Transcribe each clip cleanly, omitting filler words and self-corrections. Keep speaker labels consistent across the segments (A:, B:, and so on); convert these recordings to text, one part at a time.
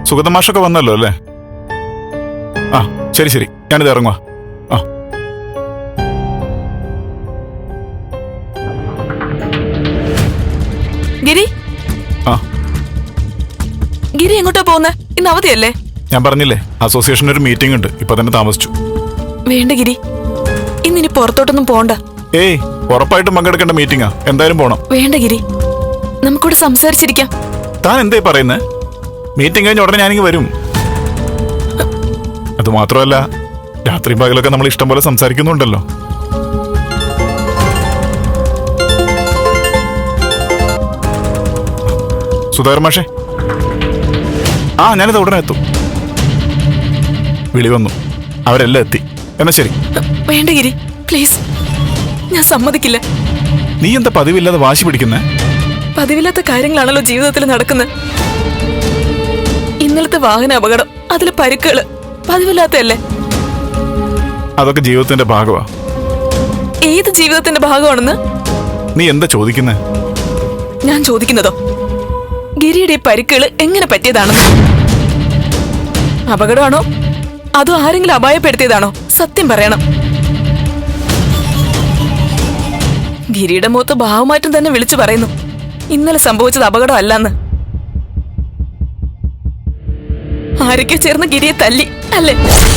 A: സുഗതമാഷൊക്കെ വന്നല്ലോ അല്ലേ? ആ ശരി ശരി, ഞാനിത് ഇറങ്ങുക. ആ
B: ഗിരി.
A: ആ
B: ഗിരി എങ്ങോട്ടാ പോകുന്നേ? ഇന്ന് അവധിയല്ലേ?
A: ഞാൻ പറഞ്ഞില്ലേ, അസോസിയേഷൻ്റെ ഒരു മീറ്റിംഗ് ഉണ്ട്, ഇപ്പൊ തന്നെ താമസിച്ചു.
B: വേണ്ട ഗിരി, ഇന്നിനി പുറത്തോട്ടൊന്നും പോണ്ട.
A: ഏയ്, ഉറപ്പായിട്ടും പങ്കെടുക്കേണ്ട മീറ്റിംഗാ, എന്തായാലും പോണം.
B: വേണ്ട ഗിരി, നമുക്കിവിടെ സംസാരിച്ചിരിക്കാം.
A: താൻ എന്തായി പറയുന്നേ? മീറ്റിംഗ് കഴിഞ്ഞ ഉടനെ ഞാനിങ്ങ് വരും. അത് മാത്രമല്ല, രാത്രി പകലൊക്കെ നമ്മൾ ഇഷ്ടം പോലെ സംസാരിക്കുന്നുണ്ടല്ലോ. സുധാകർ മാഷേ. ആ ഞാനിത് ഉടനെ എത്തും. വിളി വന്നു, അവരെല്ലാം എത്തി. എന്നാ ശരി.
B: വേണ്ട ഗിരി, പ്ലീസ്, ഞാൻ സമ്മതിക്കില്ല.
A: നീ എന്താ പതിവില്ലാതെ വാശി പിടിക്കുന്നേ?
B: പതിവില്ലാത്ത കാര്യങ്ങളാണല്ലോ ജീവിതത്തിൽ നടക്കുന്നത്. ഇന്നലത്തെ വാഹന അപകടം, അതിലെ പരിക്കുകള് പതിവില്ലാത്തല്ലേ?
A: അതൊക്കെ ജീവിതത്തിന്റെ ഭാഗമാ.
B: ഏത് ജീവിതത്തിന്റെ ഭാഗമാണെന്ന്
A: നീ എന്താ ചോദിക്കുന്നേ?
B: ഞാൻ ചോദിക്കുന്നതോ ഗിരിയുടെ ഈ പരിക്കുകള് എങ്ങനെ പറ്റിയതാണെന്ന്. അപകടമാണോ അതോ ആരെങ്കിലും അപായപ്പെടുത്തിയതാണോ? സത്യം പറയണം. ഗിരിയുടെ മുഖത്ത് ഭാവമാറ്റം തന്നെ വിളിച്ചു പറയുന്നു ഇന്നലെ സംഭവിച്ചത് അപകടം അല്ലെന്ന്. ആരൊക്കെ ചേർന്ന് ഗിരിയെ തല്ലി അല്ലേ?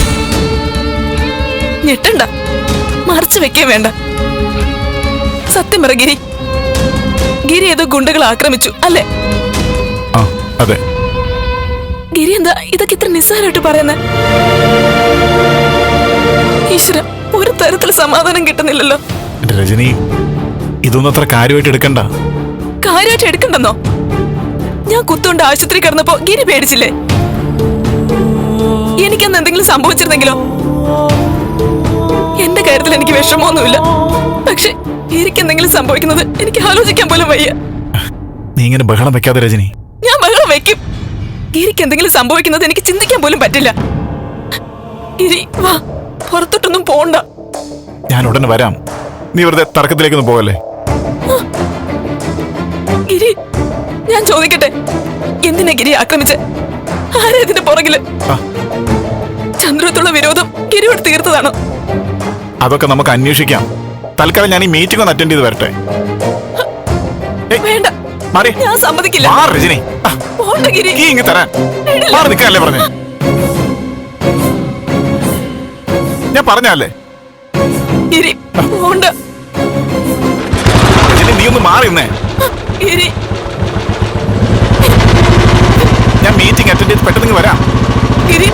B: ഞെട്ടണ്ട, മറച്ചു വെക്കേ വേണ്ട. സത്യം പറ ഗിരി, ഗിരി ഏതോ ഗുണ്ടകൾ ആക്രമിച്ചു അല്ലേ?
A: ആ അതെ.
B: ഗിരി എന്താ ഇതൊക്കെ ഇത്ര നിസ്സാരമായിട്ട് പറയുന്നേ? ഈശ്വര, ഒരു തരത്തിൽ സമാധാനം കിട്ടുന്നില്ലല്ലോ.
A: രജനി, ഇതൊന്നും അത്ര കാര്യമായിട്ട് എടുക്കണ്ട.
B: കാര്യമായിട്ട് എടുക്കണ്ടെന്നോ? ഞാൻ കുത്തുകൊണ്ട് ആശുപത്രി കിടന്നപ്പോ ഗിരി പേടിച്ചില്ലേ? എനിക്കന്ന് എന്തെങ്കിലും സംഭവിച്ചിരുന്നെങ്കിലോ? എന്റെ കാര്യത്തിൽ എനിക്ക് വിഷമമൊന്നുമില്ല, പക്ഷെ ഗിരിക്ക് എന്തെങ്കിലും സംഭവിക്കുന്നത് എനിക്ക് ആലോചിക്കാൻ പോലും വയ്യ.
A: നീ ഇങ്ങനെ ബഹളം വെക്കാതെ രജനി.
B: ഞാൻ ബഹളം വെക്കും. ഗിരിക്ക് എന്തെങ്കിലും സംഭവിക്കുന്നത് എനിക്ക് ചിന്തിക്കാൻ പോലും പറ്റില്ല. ഗിരി വാ, പുറത്തോട്ടൊന്നും പോണ്ട.
A: ഞാൻ ഉടനെ വരാം. നീ വെറുതെ തർക്കത്തിലേക്കൊന്നും പോകല്ലേ.
B: ഗിരി, ഞാൻ ചോദിക്കട്ടെ, എന്തിനാ ഗിരി ആക്രമിച്ച്? ആരാ ഇതിന്റെ പുറകില്? ചന്ദ്രത്തുള്ള വിരോധം ഗിരിയോട് തീർത്തതാണോ?
A: അതൊക്കെ നമുക്ക് അന്വേഷിക്കാം. തൽക്കാലം ഞാൻ ഈ മീറ്റിംഗ് ഒന്ന് അറ്റൻഡ് ചെയ്ത് വരട്ടെ.
B: വേണ്ട, ഞാൻ സമ്മതിക്കില്ല.
A: രജനി,
B: പോണ്ട ഗിരി.
A: ഇങ്ങ് തരാൻ നിൽക്കാനല്ലേ പറഞ്ഞേ? ഞാൻ പറഞ്ഞല്ലേ
B: ഗിരി, പോണ്ട.
A: നീ ഒന്ന് മാറിയുന്നേ.
B: ഗിരി,
A: ഞാൻ മീറ്റിംഗ് അറ്റൻഡ് ചെയ്ത് പെട്ടെന്ന് വരാം.
B: ഗിരി,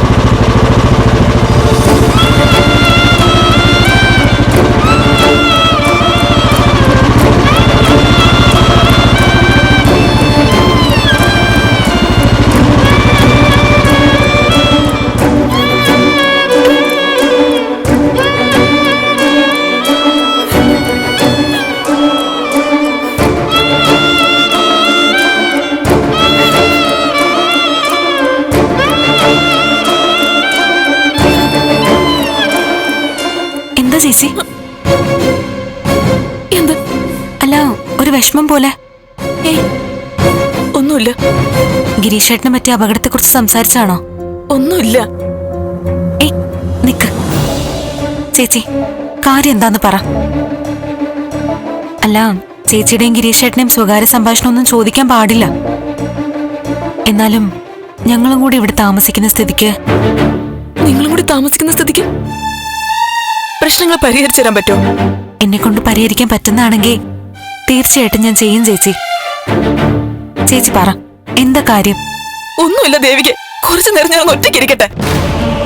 C: ചേച്ചി
B: എന്ത്?
C: അല്ല, ഒരു വിഷമം പോലെ.
B: ഏയ്, ഒന്നുമില്ല.
C: ഗിരീഷേട്ടനെ പറ്റിയ അപകടത്തെ കുറിച്ച് സംസാരിച്ചാണോ?
B: ഒന്നുമില്ല.
C: ഏയ് നിക്ക് ചേച്ചി, കാര്യം എന്താന്ന് പറ. അല്ല, ചേച്ചിയുടെയും ഗിരീഷേട്ടനെയും സ്വകാര്യ സംഭാഷണം ഒന്നും ചോദിക്കാൻ പാടില്ല. എന്നാലും ഞങ്ങളും കൂടി ഇവിടെ താമസിക്കുന്ന സ്ഥിതിക്ക്.
B: നിങ്ങളും കൂടി താമസിക്കുന്ന സ്ഥിതിക്ക് പ്രശ്നങ്ങൾ പരിഹരിച്ചു തരാൻ പറ്റുമോ?
C: എന്നെ കൊണ്ട് പരിഹരിക്കാൻ പറ്റുന്നതാണെങ്കിൽ തീർച്ചയായിട്ടും ഞാൻ ചെയ്യും ചേച്ചി. ചേച്ചി പറ, എന്താ കാര്യം?
B: ഒന്നുമില്ല ദേവിക്ക്, കുറച്ചു നേരം ഞാൻ ഒറ്റയ്ക്ക് ഇരിക്കട്ടെ.